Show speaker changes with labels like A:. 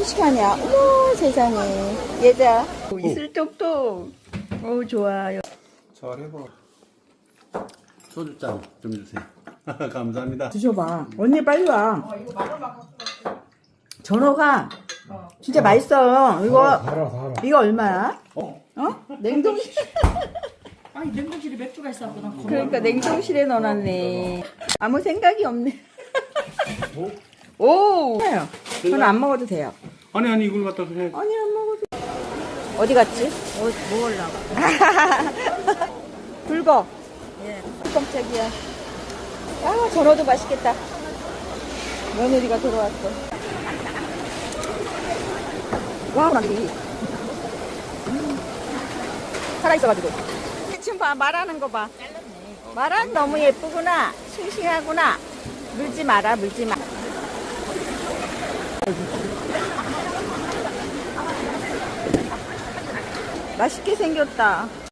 A: 푸시하냐? 어머 세상에. 얘자. 이슬 똑똑. 오 좋아요.
B: 잘해봐. 소주잔 좀 주세요. 감사합니다.
A: 드셔봐. 언니 빨리 와. 전어가 진짜 맛있어. 이거 얼마야? 어? 냉동실.
C: 아니 냉동실에 맥주가 있었구나.
A: 그러니까 냉동실에 넣어놨네. 아무 생각이 없네. 오. 저는 안 먹어도 돼요.
B: 아니 이걸 갖다 해.
A: 아니 안 먹어도. 어디 갔지?
C: 먹으려고.
A: 붉어. 예. 깜짝이야. 아 전어도 맛있겠다. 며느리가 들어왔어. 와 나기. 살아있어가지고. 지금 봐 말하는 거 봐. 말은 너무 예쁘구나. 싱싱하구나. 물지 마라 물지 마. 맛있게 생겼다.